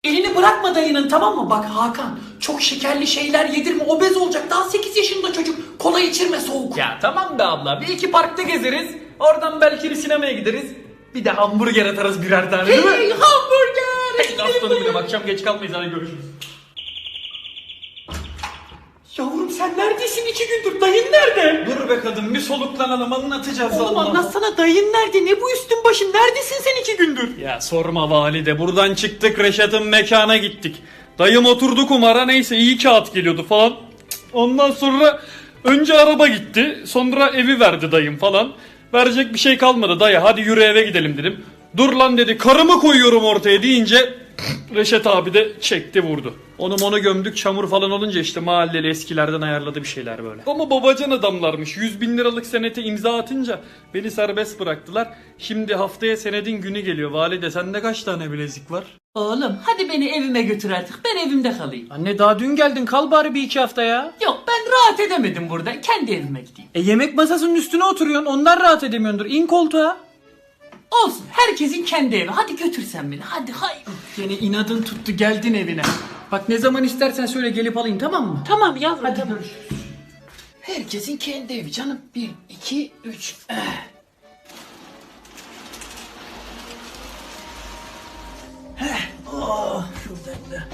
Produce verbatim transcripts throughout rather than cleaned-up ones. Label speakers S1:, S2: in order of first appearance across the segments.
S1: Elini bırakma dayının, tamam mı? Bak Hakan, çok şekerli şeyler yedirme, obez olacak. Daha sekiz yaşında çocuk. Kola içirme soğuk.
S2: Ya tamam be abla, bir iki parkta gezeriz. Oradan belki bir sinemaya gideriz. Bir de hamburger atarız birer tane, değil mi?
S1: Hey, hamburger!
S2: Hey aslanım benim, akşam geç kalmayız, hadi görüşürüz.
S1: Yavrum sen neredesin iki gündür? Dayın nerede?
S2: Dur be kadın, bir soluklanalım, anlatacağız.
S1: Oğlum
S2: Allah.
S1: anlatsana, dayın nerede? Ne bu üstün başın? Neredesin sen iki gündür?
S2: Ya sorma valide, buradan çıktık Reşat'ın mekana gittik. Dayım oturdu kumara, neyse iyi kağıt geliyordu falan. Ondan sonra önce araba gitti, sonra evi verdi dayım falan. Verecek bir şey kalmadı, dayı hadi yürü eve gidelim dedim. Dur lan dedi, karımı koyuyorum ortaya deyince Reşat abi de çekti vurdu. Onu onu gömdük, çamur falan olunca işte mahalleli eskilerden ayarladı bir şeyler böyle. Ama babacan adamlarmış, yüz bin liralık senete imza atınca beni serbest bıraktılar. Şimdi haftaya senedin günü geliyor. Valide sende kaç tane bilezik var?
S1: Oğlum hadi beni evime götür artık. Ben evimde kalayım.
S2: Anne daha dün geldin, kal bari bir iki hafta ya.
S1: Yok, ben rahat edemedim burada. Kendi evime gideyim.
S2: E yemek masasının üstüne oturuyorsun, ondan rahat edemiyordur. İn koltuğa.
S1: Olsun, herkesin kendi evi. Hadi götür sen beni. Hadi hay.
S2: Yine inadın tuttu, geldin evine. Bak ne zaman istersen söyle, gelip alayım, tamam mı?
S1: Tamam yavrum.
S2: Hadi
S1: tamam.
S2: görüşürüz.
S1: Herkesin kendi evi canım. Bir, iki, üç. Eh. Heh. Oh, şuradan da.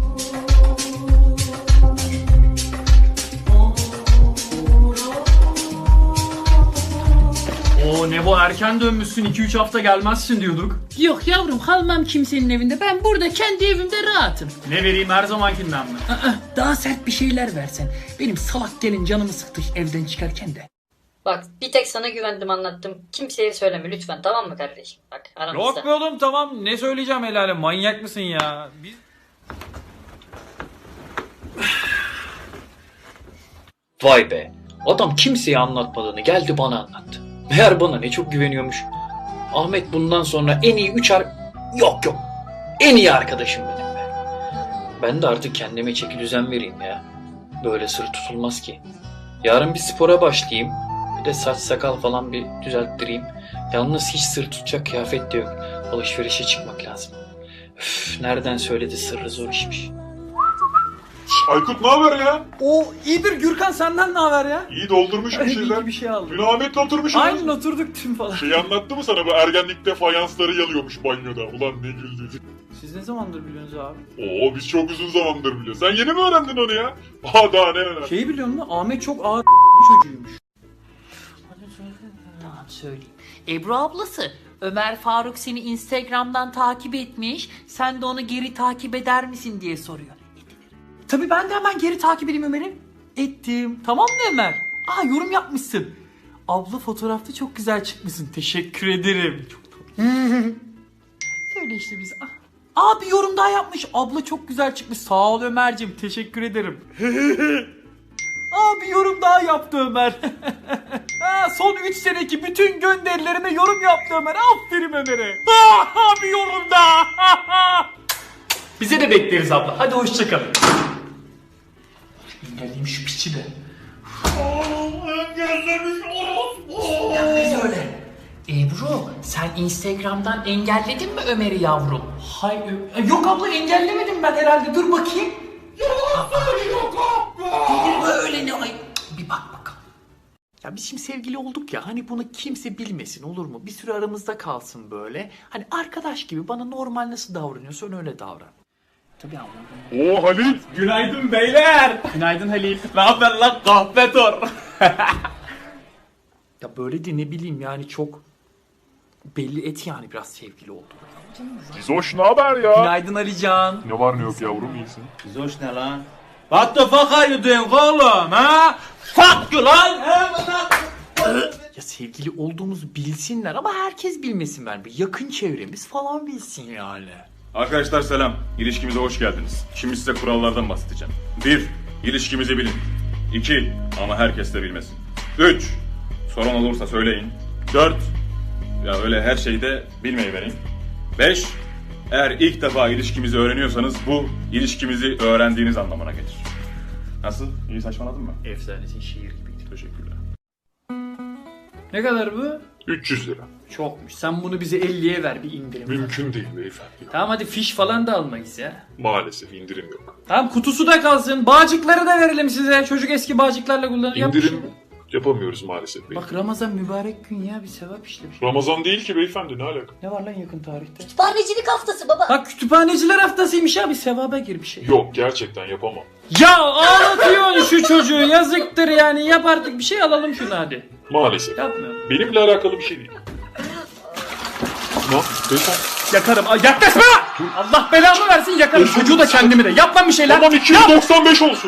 S2: Oo ne bu, erken dönmüşsün, iki üç hafta gelmezsin diyorduk.
S1: Yok yavrum, kalmam kimsenin evinde. Ben burada kendi evimde rahatım.
S2: Ne vereyim, her zamankinden mi?
S1: Aa, daha sert bir şeyler versen. Benim salak gelin canımı sıktı evden çıkarken de.
S3: Bak bir tek sana güvendim, anlattım. Kimseye söyleme lütfen, tamam mı kardeşim? Bak aramızda.
S2: Yok be oğlum, tamam, ne söyleyeceğim helale, manyak mısın ya? Biz... Vay be, adam kimseye anlatmadığını geldi bana anlattı. Meğer bana ne çok güveniyormuş. Ahmet bundan sonra en iyi üç ar... Yok yok, en iyi arkadaşım benim be. Ben de artık kendime çeki düzen vereyim ya. Böyle sır tutulmaz ki. Yarın bir spora başlayayım. Bir de saç sakal falan bir düzelttireyim. Yalnız hiç sır tutacak kıyafet de yok. Alışverişe çıkmak lazım. Üf, nereden söyledi, sırrı zor işmiş.
S4: Aykut ne haber ya?
S2: O iyidir Gürkan, senden ne haber ya?
S4: İyi doldurmuş bir şeyler.
S2: İyi bir şey aldım.
S4: Dün Ahmet'le oturmuşuz.
S2: Aynen oturduk tüm falan.
S4: Şeyi anlattı mı sana, bu ergenlikte fayansları yalıyormuş banyoda. Ulan ne güldü.
S2: Siz ne zamandır biliyorsunuz abi?
S4: Oo biz çok uzun zamandır biliyoruz. Sen yeni mi öğrendin onu ya? Aa daha ne öğrendin?
S2: Şeyi biliyor musun? Ahmet çok ağır bir çocuğuymuş.
S1: Tamam söyleyeyim. Ebru ablası, Ömer Faruk seni Instagram'dan takip etmiş. Sen de onu geri takip eder misin diye soruyor. Tabii ben de hemen geri takip edeyim Ömer'i. Ettim. Tamam mı Ömer? Aa yorum yapmışsın. Abla fotoğrafta çok güzel çıkmışsın. Teşekkür ederim. Çok tatlı. Öyle işte biz. Ah. Aa bir yorum daha yapmış. Abla çok güzel çıkmış. Sağ ol Ömer'cim. Teşekkür ederim. Aa bir yorum daha yaptı Ömer. Ha, son üç seneki bütün gönderilerime yorum yaptı Ömer. Aferin Ömer'e. Ha, bir yorum daha. Bize de bekleriz abla. Hadi hoşçakalın. Engelleyeyim şu piçi de. Engellemiş orospu. Ya biz öyle. Ebru sen Instagram'dan engelledin mi Ömer'i yavrum? Hayır. Yok abla engellemedim ben herhalde. Dur bakayım. Yalan söylüyor abla. Değil böyle ne ay. Bir bak bakalım. Ya biz şimdi sevgili olduk ya, hani bunu kimse bilmesin, olur mu? Bir süre aramızda kalsın böyle. Hani arkadaş gibi bana normal nasıl davranıyorsan öyle davran. Tabii anladım.
S4: Oo Halil.
S2: Günaydın beyler. Günaydın Halil. Ne haber lan kahpetor? Ya böyle de ne bileyim yani, çok belli et yani biraz sevgili oldu.
S4: Gizoş ne haber ya?
S2: Günaydın Alican.
S4: Ne var ne yok yavrum, iyisin?
S5: Zoş ne lan? What the fuck are you doing oğlum ha? Fuck you lan!
S1: Ya sevgili olduğumuzu bilsinler ama herkes bilmesin ben. Bir yakın çevremiz falan bilsin yani.
S6: Arkadaşlar selam. İlişkimize hoş geldiniz. Şimdi size kurallardan bahsedeceğim. bir. İlişkimizi bilin. iki. Ama herkes de bilmesin. üç. Sorun olursa söyleyin. dört. Ya öyle her şeyde bilmeyi verin. beş. Eğer ilk defa ilişkimizi öğreniyorsanız bu ilişkimizi öğrendiğiniz anlamına gelir. Nasıl? İyi saçmaladım mı?
S2: Efsanesin, şiir gibiydi.
S6: Teşekkürler.
S2: Ne kadar bu?
S4: üç yüz lira.
S2: Çokmuş. Sen bunu bize elliye ver bir indirim.
S4: Mümkün değil beyefendi.
S2: Tamam hadi fiş falan da almayız ya.
S4: Maalesef indirim yok.
S2: Tamam kutusu da kalsın. Bağcıkları da verelim size. Çocuk eski bağcıklarla kullanır. yapmış
S4: İndirim
S2: ya.
S4: yapamıyoruz maalesef beyefendi.
S2: Bak Ramazan mübarek gün ya, bir sevap işlemiş.
S4: Ramazan değil ki beyefendi, ne alaka?
S2: Ne var lan yakın tarihte?
S3: Kütüphanecilik haftası baba.
S2: Bak kütüphaneciler haftasıymış ya, bir sevaba gir bir şey.
S4: Yok, gerçekten yapamam.
S2: Ya ağlatıyorsun şu çocuğu, yazıktır yani, yap artık bir şey, alalım şunu hadi.
S4: Maalesef.
S2: Yapmıyorum.
S4: Benimle alakalı bir şey değil. Ne? Beyefendi.
S2: Yakarım. Ay, yaklaşma! Allah belamı versin, yakarım. Çocuğu da kendimi de. Yap lan bir şeyler.
S4: Tamam iki yüz doksan beş olsun.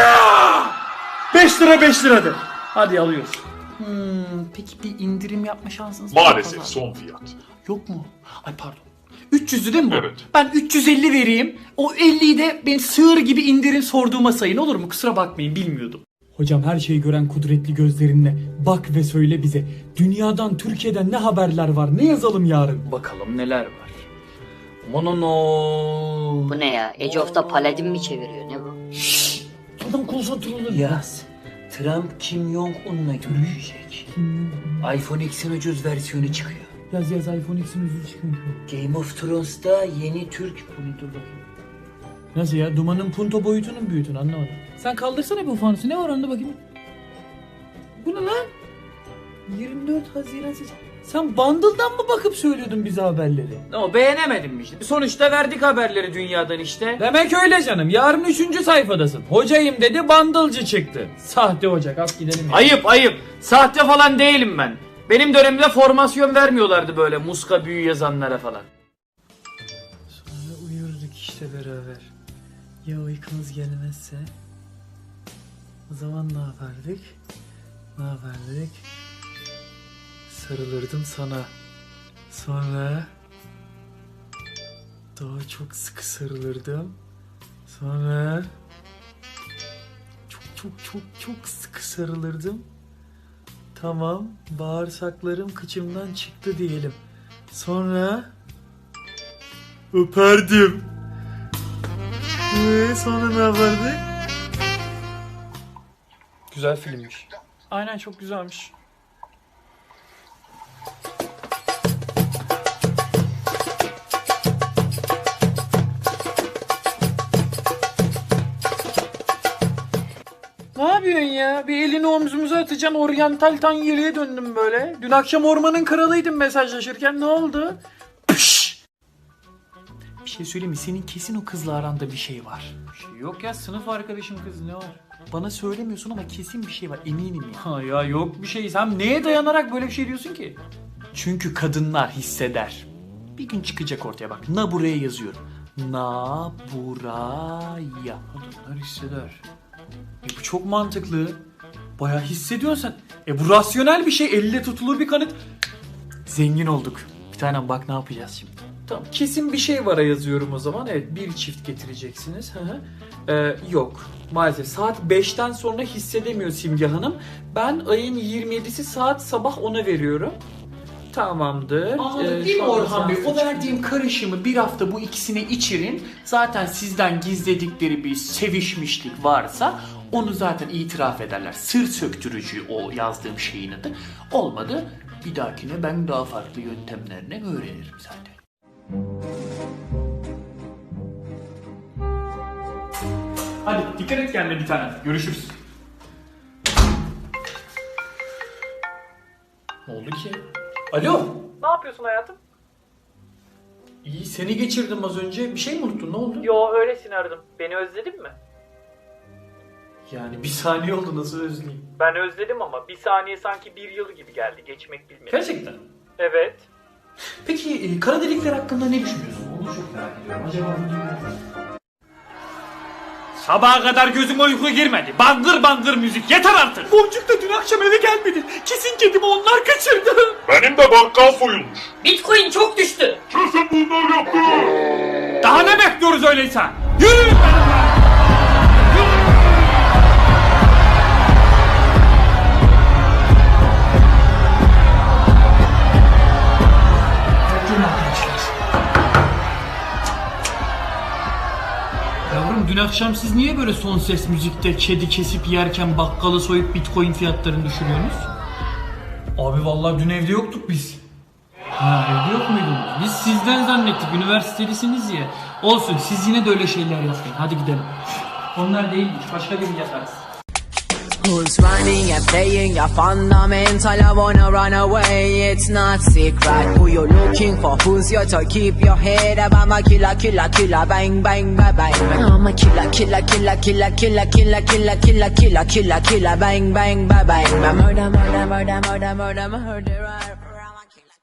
S2: beş lira beş lira de. Hadi alıyoruz. Hmm, peki bir indirim yapma şansınız var mı?
S4: Maalesef son fiyat.
S2: Yok mu? Ay pardon. üç yüzlü değil mi bu?
S4: Evet.
S2: Ben üç yüz elli vereyim. O elliyi de ben sığır gibi indirim sorduğuma sayın, olur mu? Kusura bakmayın, bilmiyordum.
S7: Hocam her şeyi gören kudretli gözlerinle bak ve söyle bize. Dünyadan, Türkiye'den ne haberler var? Ne yazalım yarın?
S2: Bakalım neler var. Monono.
S3: Bu ne ya? Age of the Paladin mi çeviriyor? Ne bu?
S7: Adam konsantre olur.
S1: Yaz. Trump Kim Jong-un'la görüşecek. iPhone X'in ucuz versiyonu çıkıyor.
S7: Yaz yaz iPhone X'in yüzü çıkıyor.
S1: Game of Thrones'ta yeni Türk... Bu ne, dur bakayım.
S7: Nasıl ya? Dumanın punto boyutunun büyütünü anlamadım. Sen kaldırsana bu fanusu. Ne var onda bakayım? Bu ne lan? yirmi dört Haziran ses. Sen bundle'dan mı bakıp söylüyordun bize haberleri?
S2: O beğenemedim mi işte? Sonuçta verdik haberleri dünyadan işte.
S7: Demek öyle canım. Yarın üçüncü sayfadasın. Hocayım dedi, bundle'cı çıktı. Sahte hoca. Kalk gidelim ya.
S2: Ayıp ayıp. Sahte falan değilim ben. Benim dönemimde formasyon vermiyorlardı böyle muska büyü yazanlara falan.
S7: Sonra uyurduk işte beraber. Ya uykumuz gelmezse? O zaman ne yapardık? Ne yapardık? Sarılırdım sana. Sonra daha çok sıkı sarılırdım. Sonra çok çok çok çok sıkı sarılırdım. Tamam, bağırsaklarım kıçımdan çıktı diyelim. Sonra öperdim. Ee, sonra ne yapardık?
S2: Güzel filmmiş. Aynen, çok güzelmiş. Ne yapıyorsun ya? Bir elini omzumuza atacaksın, oryantal tanyeliğe döndüm böyle. Dün akşam ormanın kralıydım mesajlaşırken, ne oldu? Pış! Bir şey söyleyeyim mi? Senin kesin o kızla aranda bir şey var. Bir şey yok ya, sınıf arkadaşım kız, ne var? Bana söylemiyorsun ama kesin bir şey var, eminim ya. Ha ya, yok bir şey. Sen neye dayanarak böyle bir şey diyorsun ki? Çünkü kadınlar hisseder. Bir gün çıkacak ortaya, bak. Na buraya yazıyorum. Na buraya. Kadınlar hisseder. E bu çok mantıklı. Bayağı hissediyorsun sen. E bu rasyonel bir şey. Elle tutulur bir kanıt. Zengin olduk. Bir tanem bak ne yapacağız şimdi. Tamam, kesin bir şey vara yazıyorum o zaman. Evet, bir çift getireceksiniz. Hı hı. Ee, yok. Maalesef saat beşten sonra hissedemiyor Simge Hanım. Ben ayın yirmi yedisi saat sabah ona veriyorum. Tamamdır.
S1: Anladım
S2: Ee,
S1: değil mi
S2: şu anda
S1: Orhan Bey?
S2: saat
S1: O
S2: üç.
S1: verdiğim karışımı bir hafta bu ikisine içirin. Zaten sizden gizledikleri bir sevişmişlik varsa onu zaten itiraf ederler. Sır söktürücü o yazdığım şeyin adı. Olmadı, bir dahakine ben daha farklı yöntemlerini öğrenirim zaten.
S2: Hadi dikkat et kendine bir tane. Görüşürüz. Ne oldu ki? Alo. Ne yapıyorsun hayatım? İyi, seni geçirdim az önce. Bir şey mi unuttun? Ne oldu?
S8: Yo, öylesine aradım. Beni özledin mi?
S2: Yani bir saniye oldu, nasıl özleyeyim?
S8: Ben özledim ama bir saniye sanki bir yıl gibi geldi. Geçmek bilmedi.
S2: Gerçekten.
S8: Evet.
S2: Peki e, kara delikler hakkında ne düşünüyorsun? Onu çok merak ediyorum. Acaba Sabaha kadar gözüme uyku girmedi. Bangır bangır müzik. Yeter artık. Boncuk da dün akşam eve gelmedi. Kesin kedimi onlar kaçırdı.
S4: Benim de bakkal soyulmuş.
S3: Bitcoin çok düştü.
S4: Kesin bunlar yaptı.
S2: Daha ne bekliyoruz öyleyse? Yürüyün benimle.
S7: Yavrum dün akşam siz niye böyle son ses müzikte kedi kesip yerken bakkalı soyup bitcoin fiyatlarını düşürüyorsunuz?
S2: Abi vallahi dün evde yoktuk biz. Ha evde yok muydunuz? Biz sizden zannettik, üniversitelisiniz ya. Olsun, siz yine de öyle şeyler yapmayın. Hadi gidelim. Onlar değilmiş, başka birini yaparız.
S9: Who's running and playing your fundamental? I wanna run away, it's not secret. Who you looking for? Who's your to keep your head up? I'm a killer, killer, killer, bang, bang, bang, bang. I'm a killer, killer, killer, killer, killer, killer, killer, killer, killer, killer, killer, bang, bang, bang, bang. Murder, murder, murder, murder, murder, murderer.